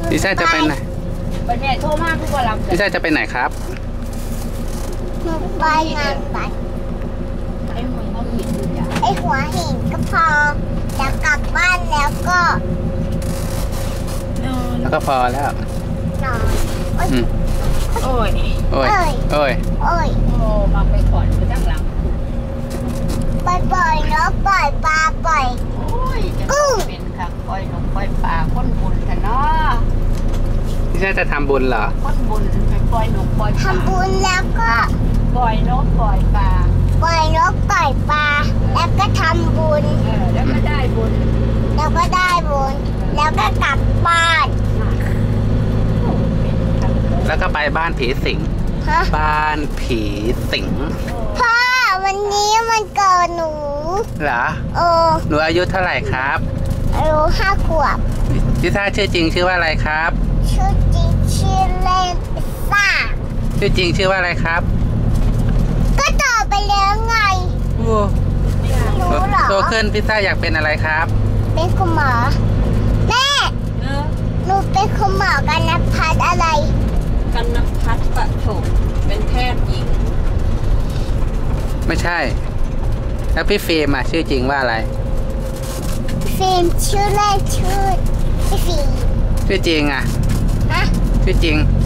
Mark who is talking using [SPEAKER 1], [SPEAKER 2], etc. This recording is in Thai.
[SPEAKER 1] ลิซ่าจะไปไหน
[SPEAKER 2] วันนี้โทรมากทุกวันรับ
[SPEAKER 1] ลิซ่าจะไปไหนครับ
[SPEAKER 3] หนูไปงานบัตร
[SPEAKER 2] ไอ้หัวหินดูจ้ะ
[SPEAKER 3] ไอหัวหินก็พอจะกลับบ้านแล้วก็
[SPEAKER 1] แล้วก็พอแล้ว
[SPEAKER 3] นอน
[SPEAKER 2] โอ้ย
[SPEAKER 1] โอ้ยโอ้ย
[SPEAKER 3] โอ้ย
[SPEAKER 2] โอ้มาไปก่อนไปตั้งหลัง
[SPEAKER 3] ปล่อยเนาะปล่อยปลาปล่อย
[SPEAKER 2] กุ้งเป็นค่ะปล่อยนกปล่อยปลาคนบุญกันเนาะ
[SPEAKER 1] ลิซ่าจะทำบุญเหรอ
[SPEAKER 2] คนบุญไปปล่อยนกปล่อยปลา
[SPEAKER 3] ทำบุญแล้วก็
[SPEAKER 2] ปล่อยนกปล่อยปลา
[SPEAKER 3] ปล่อยนกปล่อยปลาแล้วก็ทำบุญ
[SPEAKER 2] แล้วก็ได้บุญ
[SPEAKER 3] แล้วก็ได้บุญแล้วก็กลับบ้าน
[SPEAKER 1] แล้วก็ไปบ้านผีสิงบ้านผีสิง
[SPEAKER 3] พ่อวันนี้มันเกิดหนู
[SPEAKER 1] เหรอหนูอายุเท่าไหร่ครับ
[SPEAKER 3] อายุ5 ขวบ
[SPEAKER 1] ลิซ่าชื่อจริงชื่อว่าอะไรครับ
[SPEAKER 3] ชื่อจริงชื่อเล่นลิซ่า
[SPEAKER 1] ชื่อจริงชื่อว่าอะไรครับ
[SPEAKER 3] ก็ตอบไปแล้วไงรู้เหรอ
[SPEAKER 1] โตขึ้นลิซ่าอยากเป็นอะไรครับ
[SPEAKER 3] เป็นคุณหมอแม่หนูเป็นคุณหมอกันนภัสอะไร
[SPEAKER 2] กันนภัสปฐมเป็นแพทย์หญิง
[SPEAKER 1] ไม่ใช่แล้วพี่ฟิล์มชื่อจริงว่าอะไร
[SPEAKER 3] ฟิล์มชื่อเล่นชื่อพี่ฟิล์ม
[SPEAKER 1] ชื่อจริง
[SPEAKER 3] ฮะ
[SPEAKER 1] ชื่อจริง